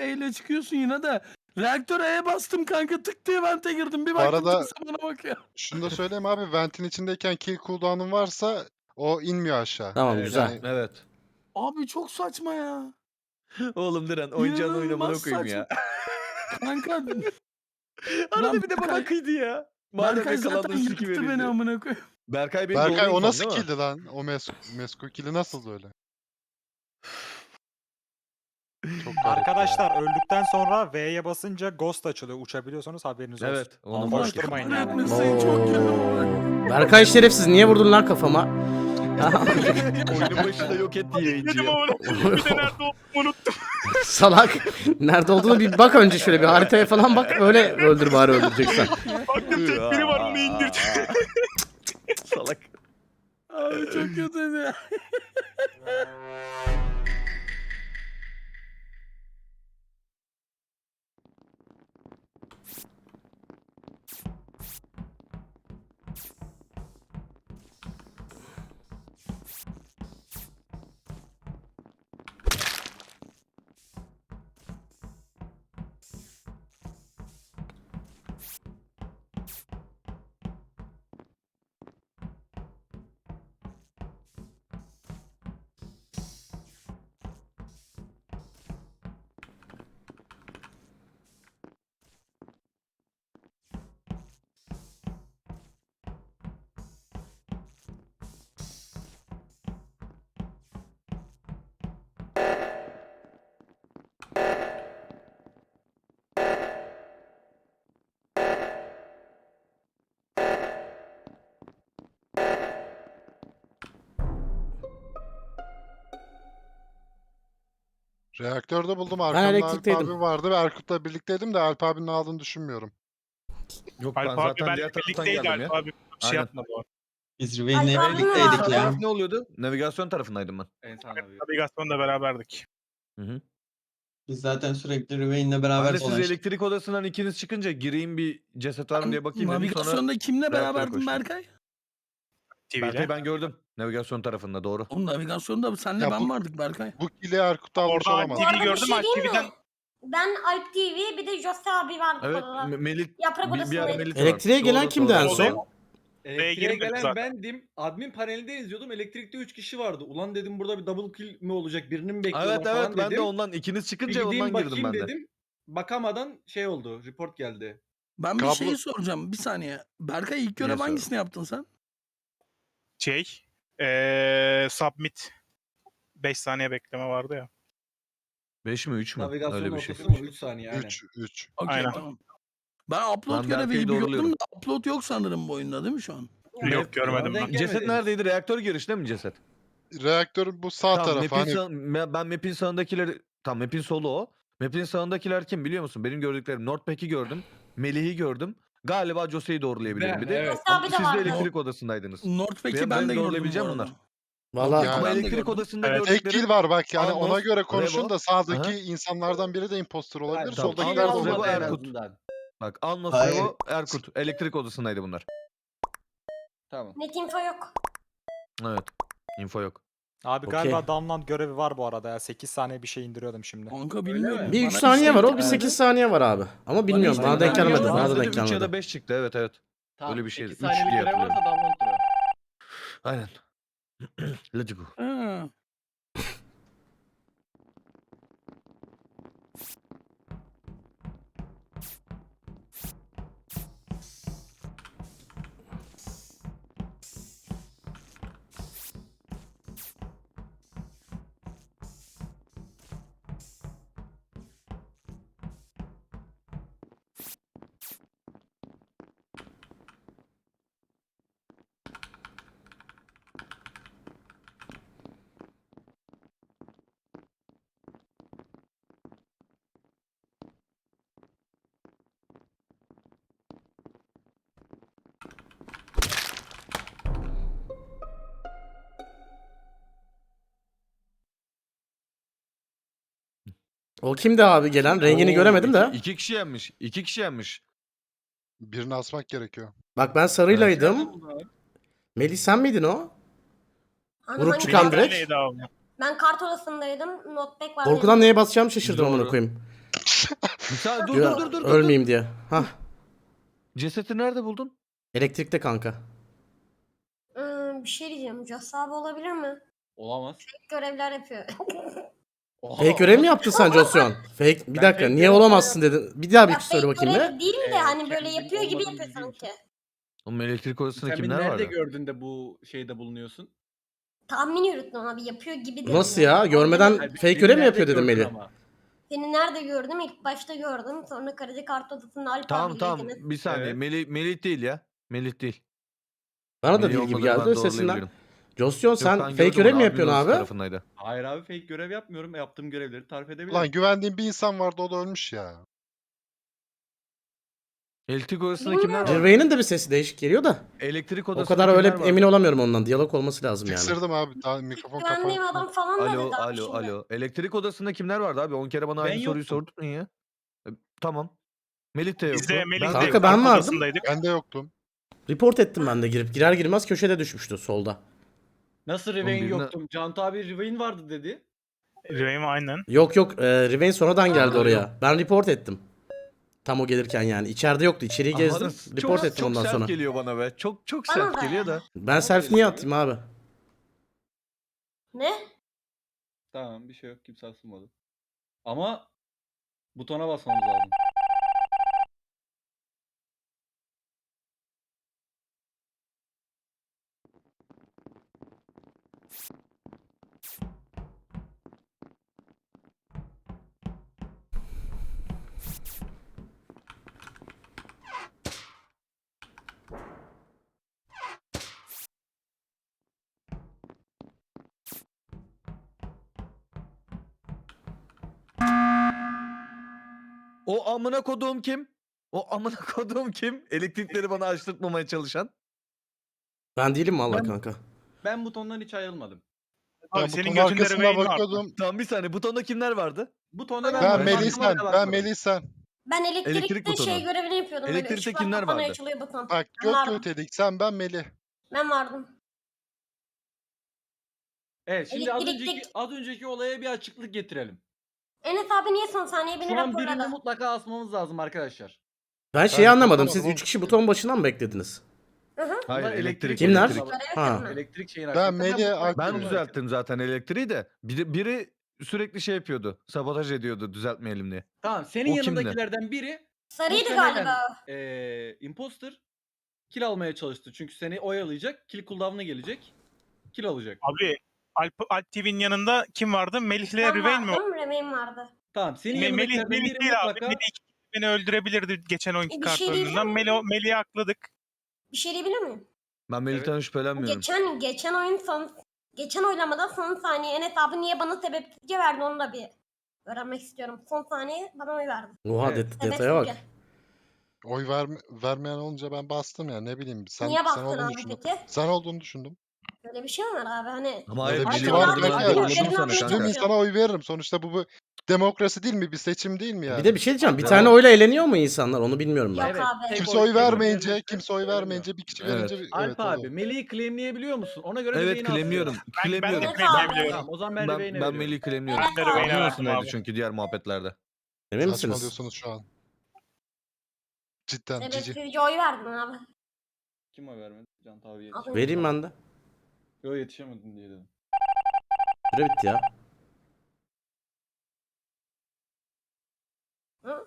E ile çıkıyorsun yine de. Reaktör E'ye bastım kanka, tık diye vente girdim. Bir Bu baktım arada kimse bana bakıyor. şunu da söyleyeyim abi, ventin içindeyken kill cooldown'un varsa o inmiyor aşağı. Tamam güzel. Yani Evet. Abi çok saçma ya. Oğlum Diren oyuncağın oynamana İnanılmaz koyayım saçma. ya. Kanka Arada bir de bana Berkay- kıydı ya. Madem Berkay zaten yakalandın siki yaktı beni verildi. amına koyayım. Berkay benim Berkay doğru o infom nasıl değil mi? killdi lan? O Mesko kill'i nasıl öyle? Çok garip ya. Arkadaşlar öldükten sonra V'ye basınca Ghost açılıyor. Uçabiliyorsanız haberiniz olsun. Evet. Onu Allah fark ettim. Koşturmayın kahretsin yani. seni, çok yanım. Berkay şerefsiz niye vurdun lan kafama? Oyunun başında yok etti yayıncıyı. Salak. Nerede olduğunu bir bak önce, şöyle bir haritaya falan bak, öyle öldür bari öldüreceksen. Baktım tek biri var onu indirdi. Salak. Abi çok kötü ya. Reaktörde buldum, arkamda Alp elektrikteydim. abi vardı ve Erkut'la birlikteydim de Alp abinin aldığını düşünmüyorum. Yok ben Alp abi zaten ben diğer taraftan birlikteydi geldim ya. Alp abi. Bir şey Aynen. yapmadı o. Biz Rüveyn'le Alp abi mi birlikteydik vardı? ya. Taraf ne oluyordu? Navigasyon tarafındaydım ben. Navigasyonda beraberdik. Hı hı. Biz zaten sürekli Rüveyn'le Ben beraber de siz dolaştık. elektrik odasından ikiniz çıkınca gireyim bir ceset var mı diye bakayım dedim, sonra Navigasyonda kimle reaktöre beraberdin koştum. Berkay? Berkay'ı TV'yle. ben gördüm. Navigasyon tarafında doğru. Oğlum navigasyonda senle Ya ben bu- vardık Berkay. Bu kill'i Erkut almış Orada Alp olamaz. Bu arada TV bir gördüm. şey Alp diyeyim mi? TV'den Ben Alp TV bir de Jose abi vardı Evet odada. Melih Yaprak bir ara odasındaydık. Melih de Elektriğe var. gelen Doğru, kimdi en doğru. son? Elektriğe Elektriğe girmedik gelen zaten. bendim. Admin panelinde izliyordum. Elektrikte 3 kişi vardı. Ulan dedim burada bir double kill mi olacak? Birini mi bekliyorlar Evet falan evet ben de dedim. ondan ikiniz Bir çıkınca gideyim ondan girdim bakayım ben de. dedim. Bakamadan şey oldu. Report geldi. Ben bir Kablo- şeyi soracağım bir saniye. Berkay ilk görev sor. hangisini yaptın sen? Submit. 5 saniye bekleme vardı ya. 5 mi 3 mü? Navigasyonun Öyle bir şey. ortası mı? 3 saniye aynen. 3. Okey Aynen. tamam. Ben upload Ben görevi Berkay'ı gibi gördüm doğruluyorum. de upload yok sanırım bu oyunda değil mi şu an? Yok görmedim ben. Denk Ceset gelmediniz. neredeydi? Reaktör girişinde mi ceset? Reaktörün bu sağ Tamam, tarafı hani ben map'in sağındakileri... Tamam, map'in solu o. Map'in sağındakiler kim biliyor musun? Benim gördüklerim Northpack'i gördüm. Melih'i gördüm. Galiba Jose'yi doğrulayabilirim Ben, bir de. evet. Jose abi de Siz de vardı. elektrik odasındaydınız. Northpack'i Benim ben de gördüm bu doğrulayabileceğim arada. bunlar. Valla Ya- Ama Ben de elektrik gördüm. odasında Evet. tek gördüklerim... kill var bak, yani Anlos, ona göre konuşun Revo. da sağdaki Aha. insanlardan biri de impostor olabilir. Tamam, Soldakiler Anlos, de Revo, olabilir. Erkut. Bak Anlos, Hayır. Revo, Erkut. Elektrik odasındaydı bunlar. Tamam. Net info yok. Evet. Info yok. Abi Okey. galiba download görevi var bu arada ya. 8 saniye bir şey indiriyordum şimdi. Kanka bilmiyorum. mi? bir Bana 3 saniye var, o bir istek 8 saniye var abi. Ama bilmiyorum, istek bana denk gelmedi. gelmedi. Bana Bana da Bana denk 3 ya da gelmedi. 5 çıktı, evet evet. Tamam. Öyle bir şey. 2 3 saniyelik diye görev varsa hatırlıyorum. download'dur o. Aynen. Let's go. Ha. O kimdi abi gelen? Rengini Oo, göremedim de. 2 kişi yenmiş. 2 kişi yenmiş. Birini asmak gerekiyor. Bak ben sarıylaydım. Melih sen miydin o? Hani Vurup hangi- çıkan Ben direkt. neydi abi? Ben kart odasındaydım. Notepad vardı. Korkudan neye basacağımı şaşırdım Doğru. amına koyayım. Dur Güven- dur dur dur. Ölmeyeyim diye. Hah. Cesedi nerede buldun? Elektrikte kanka. Bir şey diyeceğim. Joss abi olabilir mi? Olamaz. Görevler yapıyor. Fake görev mi yaptın sen Josyon? Fake bir Ben dakika fake niye görev olamazsın dedin. Bir daha bir Ya söyle fake bakayım görev be. değil de hani böyle kendim yapıyor gibi olmadığını yapıyor bildiğim için. sanki. Oğlum elektrik odasında Sen beni kimler nerede vardı? gördün de bu şeyde bulunuyorsun? Tahmin yürüttüm abi yapıyor gibi dedim. Nasıl ya? Görmeden Hayır, fake beni görev mi nerede yapıyor dedim gördün Melih. ama? Seni nerede gördüm? İlk başta gördüm. Sonra Karacı Kart Odası'nda Alp Tamam abileydiniz. bir saniye. Evet. Melih değil ya. Melih değil. Bana da Melih değil gibi olmadığını geldi ben o sesinden. doğrulayabilirim. Josyon Yok, sen ben fake gördüm görev onu, mi admin yapıyorsun odası abi? tarafındaydı. Hayır abi fake görev yapmıyorum. Yaptığım görevleri tarif edebilirim. Ulan güvendiğim bir insan vardı o da ölmüş ya. Elektrik odasında kimler vardı? Rivey'nin de bir sesi değişik geliyor da. Elektrik O odasında kadar öyle kimler vardı? emin olamıyorum ondan. Diyalog olması lazım yani. Tiksirdim abi. Daha mikrofon Güvendiğim kapalı. adam falan da Alo dedi abi alo şimdi. alo. Elektrik odasında kimler vardı abi? 10 kere bana Ben aynı soruyu yoktum. sordun ya. Tamam. Melih de yoktu. Biz de Melih'le Kanka ben Kart vardım. Odası'ndaydık. Ben de yoktum. Report ettim ben de girip. Girer girmez köşede düşmüştü solda. Nasıl Riven birine- yoktum? Cantu abi Riven vardı dedi. Rüveyim aynen. Yok Riven sonradan geldi Aa, oraya. yok. Ben report ettim. Tam o gelirken yani. İçeride yoktu. İçeriği gezdim. Amanız, Report çok, ettim çok ondan sert sonra. geliyor bana be. Çok Bana sert da geliyor ya. da. Ben selfie niye atayım abi? Ne? Tamam bir şey yok. Kimse asılmadı. Ama butona basmamız lazım. O amına koduğum kim? O amına koduğum kim? Elektrikleri bana açtırtmamaya çalışan. Ben değilim valla Ben- kanka. Ben butondan hiç ayrılmadım. Ben Abi senin butonun gözünde arkasına Rüveyin vardı. bakıyordum. Tamam bir saniye. Butonda kimler vardı? Butonda Ben Ben vardım, Melih arkama sen. kalan Ben vardı. Melih sen. Ben elektrikte Elektrik butonu. şey görevini yapıyordum. Böyle Elektrikte ışıklar kimler kapanıyor, vardı? açılıyor buton. Bak Ben vardım. göt göt edik. Sen ben Melih. Ben vardım. Evet şimdi Elektrik- az önceki olaya bir açıklık getirelim. Enes abi niye son saniye beni Şu an birini raporladı? mutlaka asmamız lazım arkadaşlar. Ben şeyi Ben anlamadım. reportlamadım Siz oğlum. 3 kişi buton başına mı beklediniz? Hayır Bunlar elektrik. Kimler? elektrik. Görev Ha. yapıyorum ben. Elektrik şeyin Ben arkasında. Melih'e mutfağa Alp'im Ben gidiyorum. düzelttim zaten elektriği de. Biri sürekli şey yapıyordu. Sabotaj ediyordu düzeltmeyelim diye. Tamam senin O kimdi? yanındakilerden biri Sarıydı muhtemelen, galiba. imposter kill almaya çalıştı. Çünkü seni oyalayacak. Kill cooldown'a gelecek. Kill alacak. Abi Alp TV'nin yanında kim vardı? Melih'le Ben Rüveyin mi? vardım, Remain vardı. Tamam senin Melih yanındakilerden biri değil abi. mutlaka Melih beni öldürebilirdi geçen oyunki Bir kart şey oyunundan. diyeceğim. Melih'i akladık. Bir şey diyebilir miyim? Ben Melih'ten şüphelenmiyorum. Geçen oyun geçen oylamada son saniye Enes abi niye bana sebepsizce verdi onu da bir öğrenmek istiyorum. Son saniye bana oy verdi. Oha Evet. detaya bak. Sebepsizce. Oy vermeyen olunca ben bastım ya ne bileyim. Sen, Niye sen bastın olduğunu abi düşündüm. peki? Sen olduğunu düşündüm. Böyle bir şey mi var abi hani? Ama Öyle hayır bir Ay, şey Melih var var abi, olduğunu kanka. abi, doğruladım üzerinden sana bir şey Düştüğüm kanka. insana oy veririm. Sonuçta bu demokrasi değil mi? Bir seçim değil mi yani? Bir de bir şey diyeceğim. Bir Evet. tane oyla eleniyor mu insanlar? Onu bilmiyorum ben. Yok abi. tek Kimse oy- oy tek oy vermeyince, verirse kimse oy söylemiyor. vermeyince bir kişi Evet. verince Alp evet abi oluyor. Melih'i claimleyebiliyor musun? Ona göre Evet Riven'i claimliyorum. asıyorum. Ben de Claimliyorum. Evet abi. claimleyebiliyorum. Tamam o zaman ben Riven'i Ben veriyorum. Melih'i claimliyorum. Evet Ben de Rüveyin'e abi. verdim Anlıyorsun abi. çünkü diğer muhabbetlerde. Emin misiniz? Saçmalıyorsunuz şu an. Cidden cici. Sebepsizce oy verdin abi. Kim oy vermedi? Can Tabi Az yetişemedi. önce. Vereyim ben de. Yo yetişemedin diye dedim. Süre bitti ya. Hı?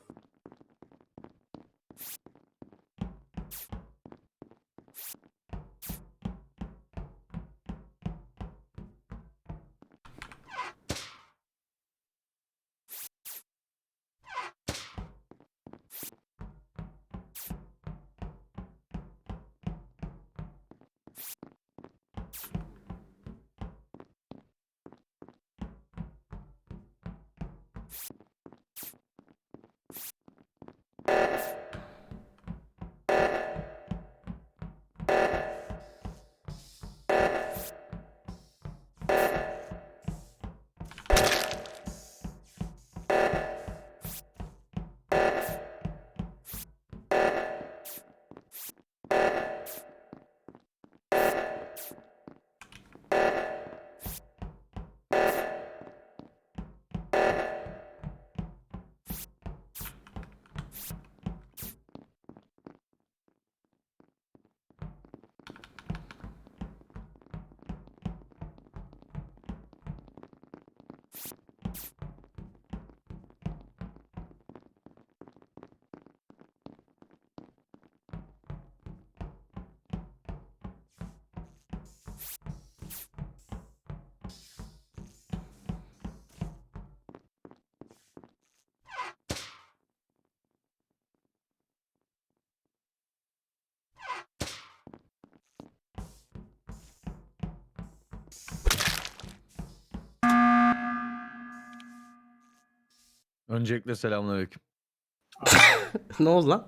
Öncelikle selamünaleyküm. Ne oldu lan?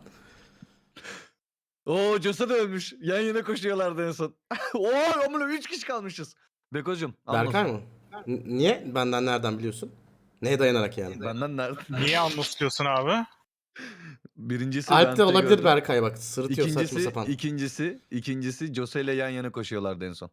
Oo Jose de ölmüş. Yan yana koşuyorlardı en son. Oo amına 3 kişi kalmışız. Beko'cum. Berkay anlasın. mı? Niye? Benden nereden biliyorsun? Neye dayanarak yani? Benden nerede? Niye anlos diyorsun abi? Birincisi Alp de Bente olabilir gördüm. Berkay bak. Sırıtıyor saçma İkincisi, sapan. ikincisi Jose ile yan yana koşuyorlardı en son.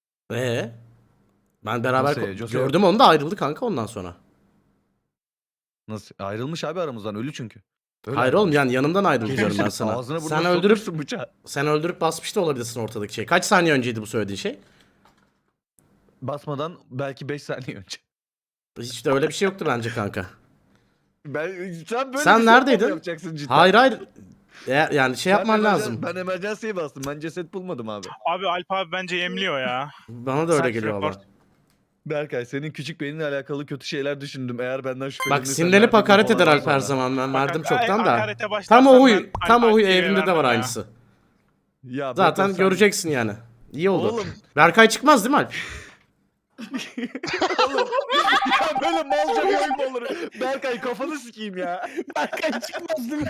Ben beraber Nasıl ya? Jose- gördüm onu da ayrıldı kanka ondan sonra. Nasıl? Ayrılmış abi aramızdan ölü çünkü. Öyle Hayır ayrılmış. oğlum yani yanımdan ayrıldı diyorum ben sana. Ağzına Sen burnuna öldürüp sokmuşsun bıçağı. sen öldürüp basmış da olabilirsin ortadaki şey. Kaç saniye önceydi bu söylediğin şey? Basmadan belki 5 saniye önce. Hiç de öyle bir şey yoktu bence kanka. Sen böyle Sen bir şey neredeydin? yapacaksın cidden. Hayır. Yani şey yapman Ben lazım. Ben emergency'ye bastım. Ben ceset bulmadım abi. Abi Alp abi bence yemliyor ya. Bana da öyle Self geliyor report. valla. Berkay senin küçük beyninle alakalı kötü şeyler düşündüm. Eğer benden Bak şüphelenirsen sinirlenip verdiğim hakaret eder infolardan Alp her sonra. zaman. Ben verdim Hakaret- çoktan da. hakarete Tam başlarsan o huy, ben tam o Alp huy abiye evrimde de vermem var ya. aynısı. Ya Zaten Beko, sen- göreceksin yani. İyi oldu. Oğlum. Berkay çıkmaz değil mi Alp? Oğlum. Ya böyle malca bir oyun mu olur? Berkay kafanı sikeyim ya. Berkay çıkmaz değil mi?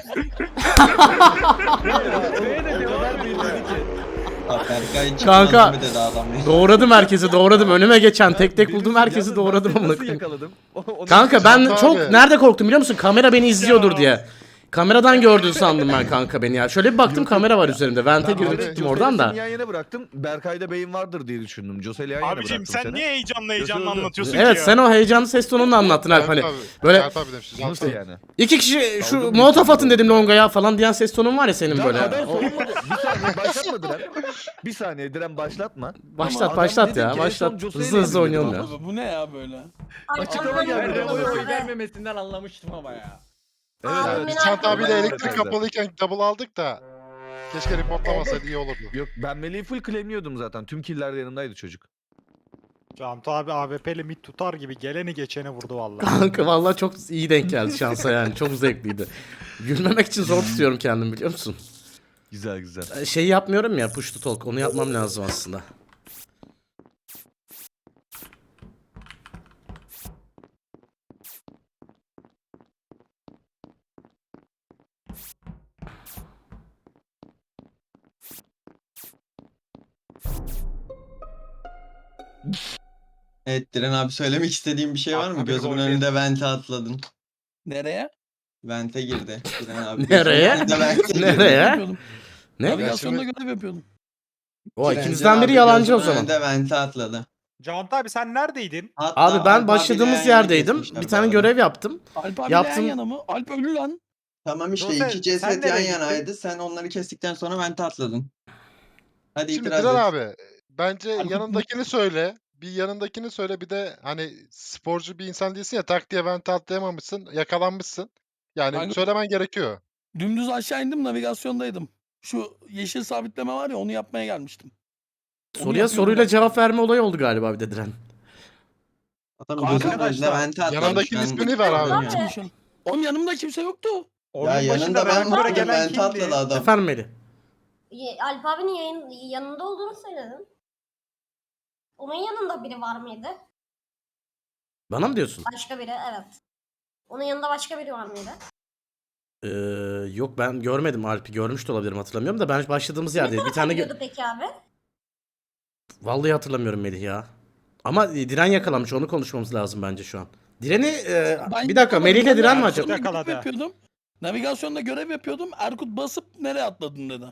Öyle de o kadar belliydi ki. Berkay Kanka, çıkmaz mı dedi adam. Doğradım herkesi doğradım. Önüme geçen tek tek Birisi- buldum herkesi Yalnız doğradım ben seni amına nasıl koyayım. yakaladım? Onu- Kanka ben Zaten çok abi. nerede korktum biliyor musun? Kamera beni izliyordur Ya. diye. Kameradan gördün sandım ben kanka beni ya. Şöyle bir baktım Yok, kamera var üzerimde. Vente Ben girdim böyle tuttum Jose'yle oradan da. seni yan yana bıraktım. Berkay'da beyin vardır diye düşündüm. Jose'yle yan yana Abicim bıraktım sen seni. niye heyecanlı heyecanlı Gözü öldü. anlatıyorsun ki Evet ya? sen o heyecanlı ses tonunla anlattın Alp hani. böyle- Serp abi demişiz. Nasıl yani? İki kişi şu Aldım molotof mı? atın dedim Longa'ya falan diyen ses tonun var ya senin Ya böyle. adam sorulmadı. Bir saniye başlatma Diren. Bir saniye Diren başlatma. Başlat Adam başlat dedi ya ki en son başlat. Jose'yle Hızlı hızlı ilgili oynayalım ya. Abi bu ne ya böyle? Açıklama geldi. Ben Remo'ya oy oy vermemesinden anlamıştım ama ya. Evet, Abi, evet. ben Çanta abiyle arkamdan elektrik vurdum. kapalıyken double aldık da. Keşke reportlamasaydı iyi olurdu. Yok ben Melih'i full claimliyordum zaten. Tüm kill'lerde yanımdaydı çocuk. Cantu abi AWP'li mid tutar gibi geleni geçeni vurdu vallahi. Kanka vallahi çok iyi denk geldi şansa yani. Çok zevkliydi. Gülmemek için zor tutuyorum kendimi biliyor musun? Güzel güzel. Şey yapmıyorum ya push to talk. Onu yapmam lazım aslında. Evet Diren abi söylemek istediğim bir şey var mı? Abi, Gözümün gol önünde vente atladın. Nereye? Vente girdi Diren abi. Nereye? Gözümün önünde vente girdi. Nereye? Yapıyordum. Ne? Navigasyonda şimdi- görev yapıyordum. O Diren ikinizden abi biri yalancı o gözümün zaman. önünde vente atladı. Cantu abi sen neredeydin? Hatta Abi ben Alp başladığımız abiyle yerdeydim. kesmişler Bir bu tane arada. görev yaptım. Alp abi Yaptım. yan yana mı? Alp ölü lan. Tamam işte Jose, iki sen ceset yan nereye gittin? yanaydı. Sen onları kestikten sonra vente atladın. Hadi Şimdi itiraz Dilan et. abi bence Abi- yanındakini söyle. Bir yanındakini söyle bir de hani sporcu bir insan değilsin ya tak diye vente atlayamamışsın. Yakalanmışsın. Yani Kanka- söylemen gerekiyor. Dümdüz aşağı indim navigasyondaydım. Şu yeşil sabitleme var ya onu yapmaya gelmiştim. Onu Soruya yapıyordum soruyla ben. cevap verme olayı oldu galiba bir de Diren. Adam Kanka gözümün önünde arkadaşlar, vente atladı. yanındakinin Ben- ismini ver abi. Abi. Çalışıyorum. Oğlum yanımda kimse yoktu. Ya Oyunun yanında başında ben reaktöre vardım gelen vente atladı kimdi? adam. Efendim Melih. Alp abinin yanında olduğunu söyledin. Onun yanında biri var mıydı? Bana mı diyorsun? Başka biri, evet. Onun yanında başka biri var mıydı? Yok ben görmedim Alp'i. Görmüş de olabilirim hatırlamıyorum da ben başladığımız Ne yerdeydim. Bir tane gidiyordu peki abi? Vallahi hatırlamıyorum Melih ya. Ama Diren yakalamış onu konuşmamız lazım bence şu an. Diren'i Ben bir dakika Melih ile Diren mi acaba? navigasyonda Yakaladı. görev yapıyordum. Navigasyonda görev yapıyordum. Erkut basıp nereye atladın dedi.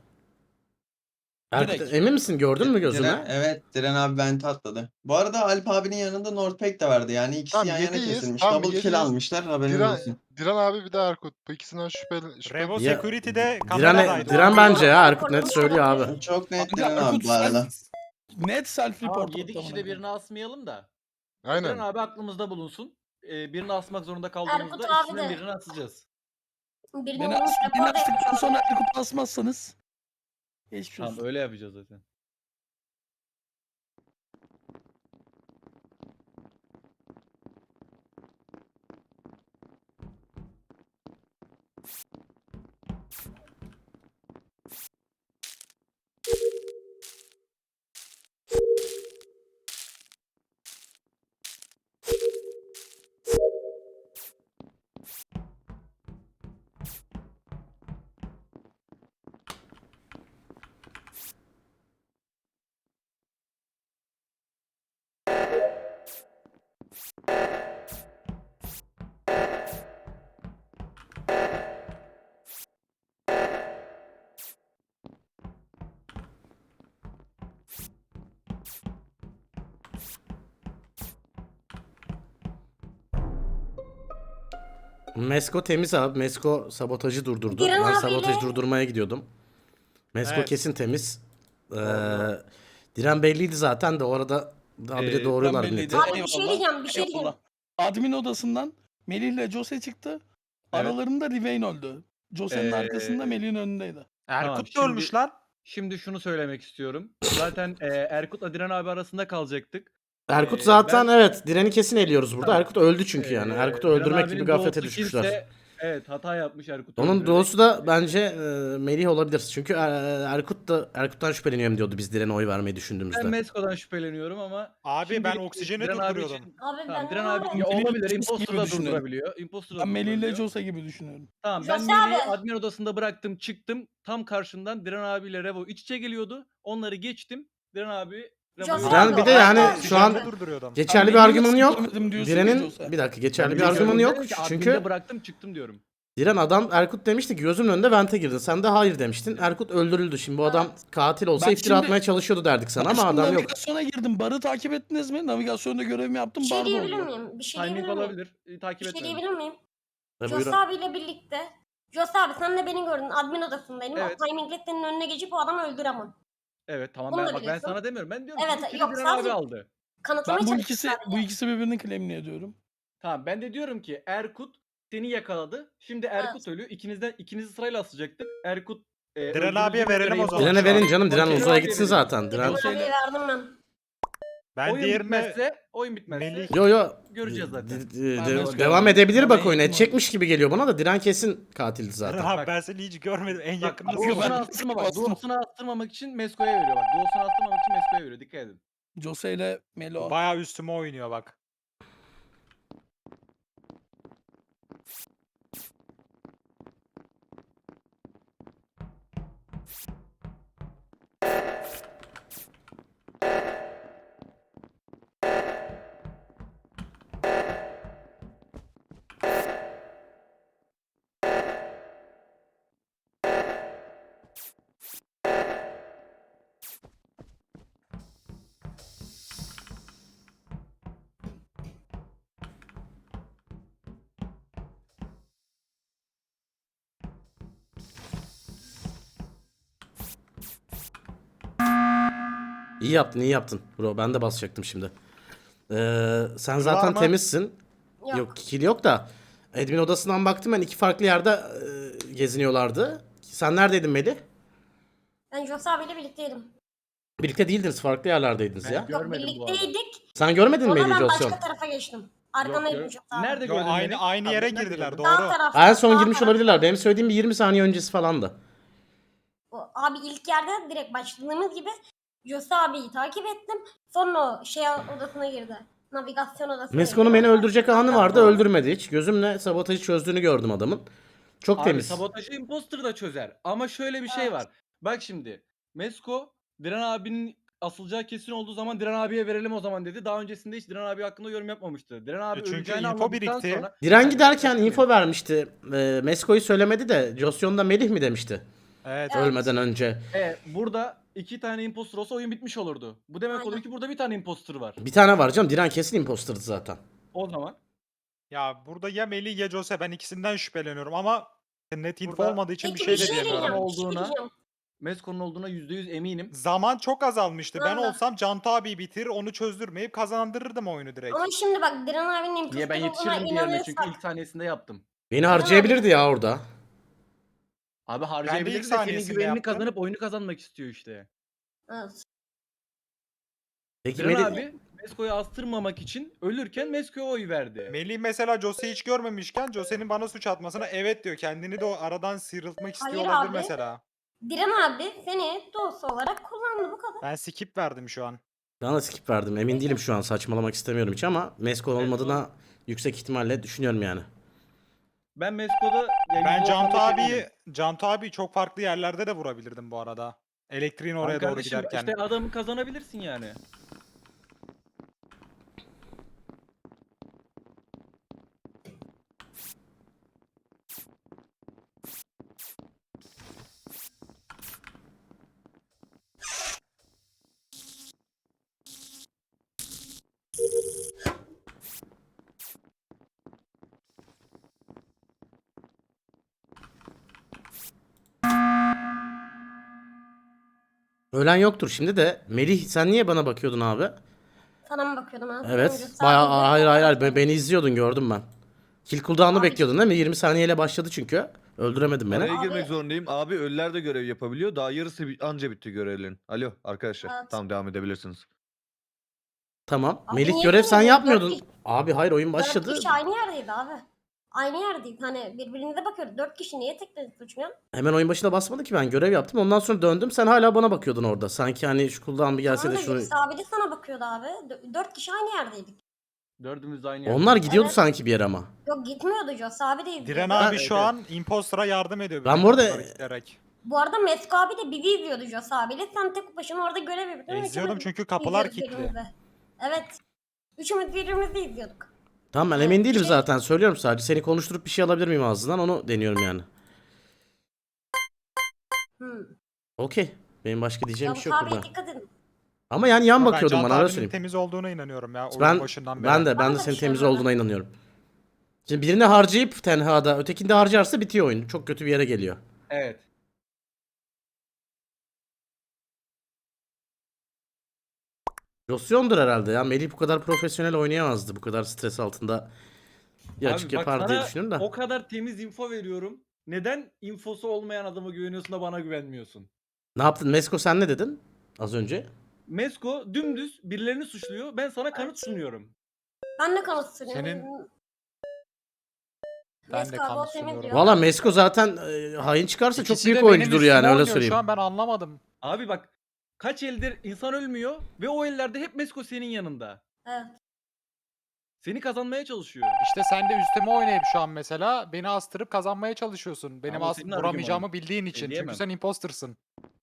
Erkut, direkt. emin misin gördün mü gözünü? Evet Diren abi vente atladı. Bu arada Alp abinin yanında Northpack de vardı. Yani ikisi Tamam, yan yana yediyiz. kesilmiş. Tamam, Double kill yediyiz. almışlar haberiniz Diren, olsun. Diren abi bir de Erkut. Bu ikisinden şüpheli. Revo Ya, Security'de Diren, kameradaydı. Diren bence ya Erkut net söylüyor abi. Çok net Kanka, Diren abi Erkut bu arada. net self Tamam report. 7 kişide birini asmayalım da. Aynen. Diren abi aklımızda bulunsun. Birini asmak zorunda kaldığımızda Erkut abi ikisinden de. birini asacağız. Birini Beni vurmuş rapor da astıktan yapmış. sonra Erkut asmazsanız. Geçmiş Tamam olsun. öyle yapacağız zaten. Mesko temiz abi. Mesko sabotajı durdurdu. Diren Ben abiyle- sabotajı durdurmaya gidiyordum. Mesko Evet. kesin temiz. Diren belliydi zaten de o arada daha biri doğruyorlar Ben milleti. belliydi. Abi bir şey Eyvallah, diyeceğim, bir şey diyeceğim. eyvallah. Admin odasından Melih ile Jose çıktı. Aralarında Rivain öldü. Jose'nin arkasında Melih'in önündeydi. Erkut Tamam, da ölmüş lan. Şimdi şunu söylemek istiyorum. Zaten Erkut'la Diren abi arasında kalacaktık. Erkut zaten ben- evet Diren'i kesin eliyoruz burada. Tamam. Erkut öldü çünkü yani. Erkut'u Diren öldürmek abinin gibi gaflete doğusu düşmüşler. kimse- Evet, hata yapmış Erkut. Onun öldürerek. doğusu da bence Melih olabilir. Çünkü Erkut'tan şüpheleniyorum diyordu biz Diren'e oy vermeyi düşündüğümüzde. Ben Mesko'dan şüpheleniyorum ama Abi ben şimdi oksijeni Diren abi durduruyordum. için- Abi Tamam, ben Diren ne abi var? ya Melih olabilir. Jose Imposter gibi da düşünüyorum. durdurabiliyor. Imposter da Ben Melih ile durdurabiliyor. Jose gibi düşünüyorum. Tamam, ben Jose Melih'i abi. admin odasında bıraktım, çıktım. Tam karşımdan Diren abiyle Revo iç içe geliyordu. Onları geçtim. Diren abi Jose Revo'yu Diren abi, bir de orada yani oksijeni şu an durduruyordum. geçerli Ben bir Melih'i argümanı nasıl yok. görmedim diyorsun ki Diren'in Jose. bir dakika geçerli bir Melih'i argümanı gördüm yok. dedim ki, adminde Çünkü bıraktım çıktım diyorum. Diren adam Erkut demişti ki gözümün önünde vente girdin. Sen de hayır demiştin. Erkut öldürüldü. Şimdi bu adam katil olsa Ben iftira şimdi- atmaya çalışıyordu derdik sana Ben ama şimdi adam yok. navigasyona girdim. Barı takip ettiniz mi? Navigasyonda görevimi yaptım. Bir şey Barda diyebilir oldu. miyim? Bir şey Timing diyebilir miyim? olabilir. Takip Bir şey etmedim. diyebilir miyim? Buyurun. Jose abiyle birlikte. Jose abi sen de beni gördün. Admin odasındayım. Evet. O timingle senin önüne geçip o adamı öldüremem. Evet, tamam, Bunu da ben biliyorsun. sana demiyorum. Ben diyorum Evet, ki yok, Diren sadece- abi aldı. Kanıtlamaya Ben bu çalıştım ikisi sadece. birbirini claimle ediyorum. Tamam, ben de diyorum ki Erkut seni yakaladı. Şimdi Erkut ölü. İkinizi sırayla asacaktık. Erkut Diren abiye verelim o zaman. Diren'e verin canım. Diren Okey. uzaya Diren gitsin abiye zaten. verin. Diren... Diren abiye verdim ben. Ben oyun diğerine bitmezse Melih- göreceğiz zaten. Devam edebilir bak oyuna. Tamam. Çekmiş gibi geliyor bana da Diren kesin katildi zaten. Abi ben seni hiç görmedim. En Bak, yakında Doğusunu astırmamak için Mesko'ya veriyor bak. Doğusunu astırmamak için Mesko'ya veriyor. Dikkat edin. Jose ile Melo. bayağı üstüme oynuyor bak. İyi yaptın, iyi yaptın. Bro ben de basacaktım şimdi. Sen zaten mı? temizsin. Yok. Yok kill yok da. Admin odasından baktım ben iki farklı yerde geziniyorlardı. Sen neredeydin Melih? Ben Jose abiyle birlikteydim. Birlikte değildiniz, farklı yerlerdeydiniz Ben ya. Yok görmedim bu arada. birlikteydik. Sen görmedin mi Sonra Melih ben Josyon? başka tarafa geçtim. Yok, Arkandaydım gör- Jose abi. Nerede Yo, gördün beni? aynı Abi, yere nerede girdiler, gördün? doğru. Sağ tarafta. En son sağ girmiş tarafta. olabilirler. Benim söylediğim bir 20 saniye öncesi falandı. Abi ilk yerde direkt başladığımız gibi Jose abiyi takip ettim. Sonra o şey odasına girdi. Navigasyon odasına Mesko'nun girdi. beni öldürecek anı Aynen. vardı, öldürmedi hiç. Gözümle sabotajı çözdüğünü gördüm adamın. Çok Abi temiz. sabotajı imposter da çözer. Ama şöyle bir şey Evet. var. Bak şimdi. Mesko Diren abinin asılacağı kesin olduğu zaman Diren abiye verelim o zaman dedi. Daha öncesinde hiç Diren abi hakkında yorum yapmamıştı. Diren abi çünkü öleceğini info anladıktan birikti. sonra... Diren giderken info vermişti. Mesko'yu söylemedi de Josyon'da Melih mi demişti Evet. Evet. ölmeden önce. Burada 2 tane imposter olsa oyun bitmiş olurdu. Bu demek Aynen. oluyor ki burada bir tane imposter var. Bir tane var canım. Diren kesin imposterdı zaten. O zaman Ya burada ya Melih ya Jose, ben ikisinden şüpheleniyorum ama net info Burada- olmadığı için bir Peki şey bir de şey diyemiyorum. diyeceğim. Bir şey Olduğuna- diyeceğim. Mesko'nun olduğuna %100 eminim. Zaman çok azalmıştı. Ben Aynen. olsam Cantu abi bitirir, onu çözdürmeyip kazandırırdım oyunu direkt. Ama şimdi bak Diren abinin imposter Niye ben olduğuna yetişirdim diğerine çünkü inanıyorsak. ilk saniyesinde yaptım. Beni harcayabilirdi ya orada. Abi ilk harcayabilir de senin saniyesinde güvenini yaptım. kazanıp oyunu kazanmak istiyor işte. Evet. Peki Diren Melih... abi Mesko'yu astırmamak için ölürken Mesko'ya oy verdi. Melih mesela Jose'yi hiç görmemişken Jose'nin bana suç atmasına evet diyor. Kendini de o aradan sıyrıltmak istiyor Hayır olabilir abi. mesela. Diren abi seni dost olarak kullandı bu kadar. Ben skip verdim şu an. Ben de skip verdim. Emin değilim şu an. Saçmalamak istemiyorum hiç ama Mesko olmadığına yüksek ihtimalle düşünüyorum yani. Ben Mesko'da... ya Ben %95 Cantu abiyi çok farklı yerlerde de vurabilirdim bu arada. Elektriğin oraya Lan doğru kardeşim, giderken. İşte adamı kazanabilirsin yani. Ölen yoktur şimdi de. Melih sen niye bana bakıyordun abi? Sana mı bakıyordum ben? Evet. Jose Bayağı abiyle hayır hayır hayır. fotoğraf Beni izliyordun gördüm ben. Kill cooldown'u Abi- bekliyordun değil mi? 20 saniyeyle başladı çünkü. Öldüremedin beni. Araya Abi- girmek zorundayım. Abi ölüler de görev yapabiliyor. Daha yarısı anca bitti görevlerin. Alo arkadaşlar. Evet. Tamam devam edebilirsiniz. Tamam. Abi Melih niye görev sen girmedin? yapmıyordun. 4 kişi- Abi hayır oyun 4 başladı. kişi aynı yerdeydi abi. Aynı yerdeydi. Hani birbirinize bakıyordu. 4 kişi niye tek tek suçluyorsun? Hemen oyun başına basmadı ki ben görev yaptım. Ondan sonra döndüm. Sen hala bana bakıyordun orada. Sanki hani şu cooldown bir gelse Tamam de da şunu... Jose abi de sana bakıyordu abi. 4 kişi aynı yerdeydik. Dördümüz de aynı yerde. Onlar gidiyordu Evet. sanki bir yere ama. Yok gitmiyordu Jose abi de izliyordu. Diren Ben- abi şu an impostora yardım ediyor. Ben bütün bu arada- kapıları iterek. Bu arada Mesko abi de bizi izliyordu Jose abiyle. Sen tek başına orada görev yapıyordun. İzliyordum Üçümüz çünkü kapılar izliyorduk kilitli. birbirimizi. Evet. Üçümüz birbirimizi izliyorduk. Tamam ben Evet, emin değilim şey- zaten. Söylüyorum sadece. Seni konuşturup bir şey alabilir miyim ağzından? Onu deniyorum yani. Okey. Benim başka diyeceğim bir Yavuz şey yok abiye burada. dikkat edin. Ama yani yan Ama ben bakıyordum Can bana öyle abinin söyleyeyim. temiz olduğuna inanıyorum ya oyun Ben başından beri. ben de Ben de senin bir temiz şey olduğuna inanıyorum. Şimdi birini harcayıp tenhada, ötekinde harcarsa bitiyor oyun. Çok kötü bir yere geliyor. Evet. Losyondur herhalde ya. Melih bu kadar profesyonel oynayamazdı. Bu kadar stres altında bir Abi açık bak yapar diye sana düşünüyorum da. o kadar temiz info veriyorum. Neden infosu olmayan adama güveniyorsun da bana güvenmiyorsun? Ne yaptın? Mesko sen ne dedin az önce? Mesko dümdüz birilerini suçluyor. Ben sana kanıt sunuyorum. Ben de kanıt sunuyorum. Senin- Ben Ben de kanıt sunuyorum. Valla Mesko zaten hain çıkarsa çok İkisi büyük de benim oyuncudur üstüme yani öyle oynuyor. söyleyeyim. Şu an ben anlamadım. Abi bak kaç eldir insan ölmüyor ve o ellerde hep Mesko senin yanında. Evet. Seni kazanmaya çalışıyor. İşte sen de üstüme oynayıp şu an mesela beni astırıp kazanmaya çalışıyorsun. Benim Ama o senin vuramayacağımı argümanın. bildiğin için. Çünkü Diyemem. sen impostersın.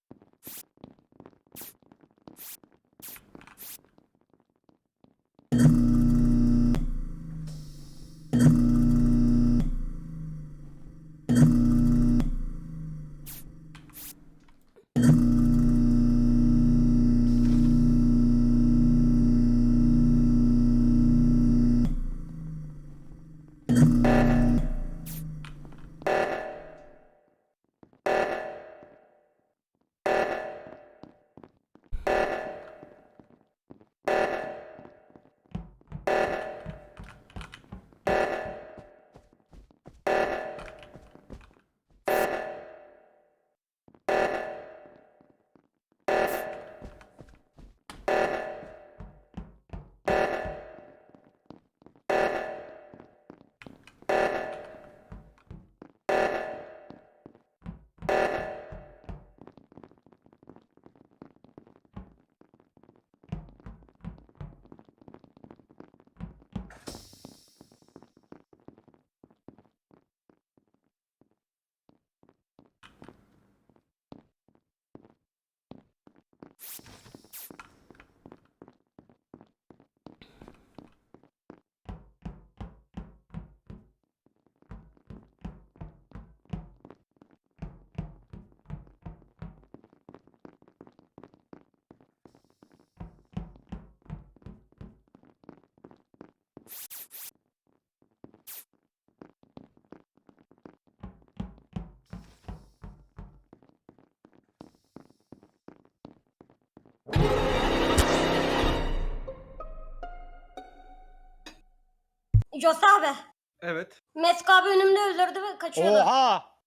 Jose abi. Evet. Mesko abi önümde öldürdü ve kaçıyordu. Oha!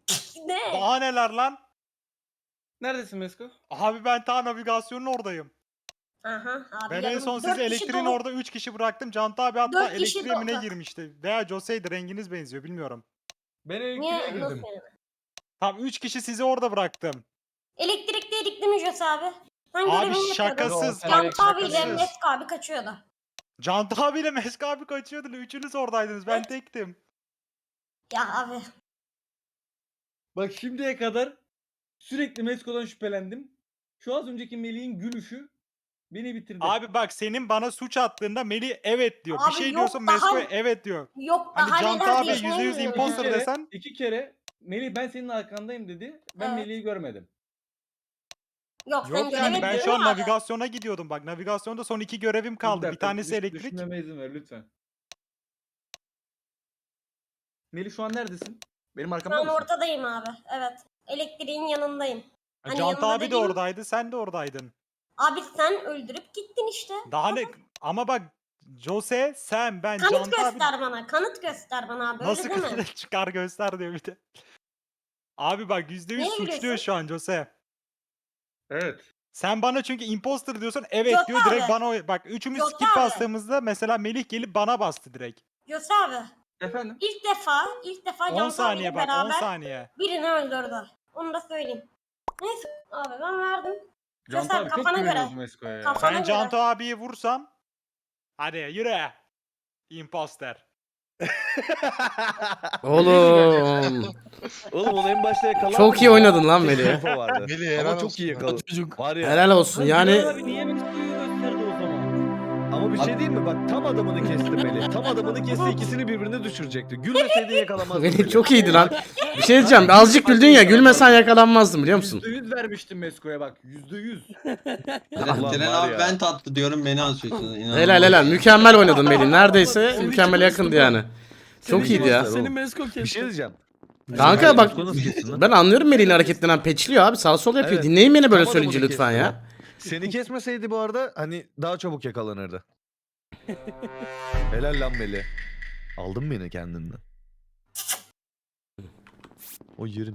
Ne? Daha neler lan? Neredesin Mesko? Abi ben ta navigasyonun oradayım. Aha abi. Ben en yanım- son dört sizi kişi elektriğin dolu. orada 3 kişi bıraktım. Canta abi hatta 4 kişi elektriğe mi ne dolu. girmişti? Veya Jose'ydi renginiz benziyor bilmiyorum. Ben elektriğe Niye? Nasıl girdim. yani? Tam 3 kişi sizi orada bıraktım. Elektrikteydik değil mi Jose abi? Sen Abi görevini yapıyordun. şakasız. Sen bak, Can abiyle şakasız. Mesko abi kaçıyordu. Canta abiyle Mesk abi kaçıyordu. Üçünüz oradaydınız. Ben tektim. Ya abi. Bak şimdiye kadar sürekli Mesko'dan şüphelendim. Şu az önceki Melih'in gülüşü beni bitirdi. Abi bak senin bana suç attığında Melih evet diyor. Abi Bir şey yok, diyorsun daha- Mesko'ya evet diyor. Yok Hani daha Canta neler abi değişmeye %100 gidiyor. imposter desen. 2 kere Melih ben senin arkandayım dedi. Ben Evet. Melih'i görmedim. Yok sen Yok görev yani ben yapıyordun şu an abi. navigasyona gidiyordum. Bak navigasyonda son 2 görevim kaldı. Bir dakika, tanesi elektrik. Düşünmeme izin ver lütfen. Melih şu an neredesin? Benim arkamda Ben mısın? ortadayım abi. Evet. Elektriğin yanındayım. Hani Canta yanında abi de dediğim- oradaydı, sen de oradaydın. Abi sen öldürüp gittin işte. Daha ne? Ama bak Jose, sen, ben, Kanıt Canta abi göster bana. Kanıt göster bana abi. nasıl Öyle değil mi? çıkar göster diyor bir de. Abi bak %100 Neye suçluyor gülüyorsun? şu an Jose. Evet. Sen bana çünkü imposter diyorsun. Evet Jose diyor direkt abi. bana bak üçümüz Jose skip abi. bastığımızda mesela Melih gelip bana bastı direkt. Jose abi. Efendim? İlk defa 10 Can saniye abiyle bak 10 beraber saniye. birini öldürdü. Onu da söyleyeyim. Neyse abi ben verdim. Can Sen abi çok kafana göre. güveniyoruz Mesko'ya ya. Kafana Ben göre. Canto abiyi vursam hadi yürü. Imposter. Oğlum. Oğlum onu en başta yakalamadın. Çok iyi ya. oynadın lan Tek Melih. info vardı. Melih helal Ama çok olsun iyi ya. yakaladın. Çocuk. Var ya. Helal olsun Lan yani. Diren abi niye Mesko'yu gösterdi o zaman? Ama bir şey değil mi? Bak tam adamını kesti Melih. Tam adamını kesti, ikisini birbirine düşürecekti. Gülmeseydin yakalamazdı Melih çok iyiydi lan. Bir şey diyeceğim. Azıcık güldün ya, gülmesen yakalanmazdın biliyor musun? %100 vermiştim Mesko'ya bak. %100. Ulan Diren var abi ya. vent attı diyorum beni asıyorsun. İnanılmaz. Helal. Mükemmel oynadın Melih. Neredeyse Senin mükemmele için yakındı yani. Çok Senin iyiydi ya. Mesko- Senin Mesko Bir şey kesti. diyeceğim. Kanka Hayır, bak Mesko nasıl kestin lan? ben anlıyorum Melih'in hareketlerinden, peçliyor abi, sağ sol yapıyor. Evet. Dinleyin beni böyle Tam söyleyince adamını lütfen kesti ya. lan. Seni kesmeseydi bu arada hani daha çabuk yakalanırdı. Helal lan Melih. Aldın beni kendinden. O yerin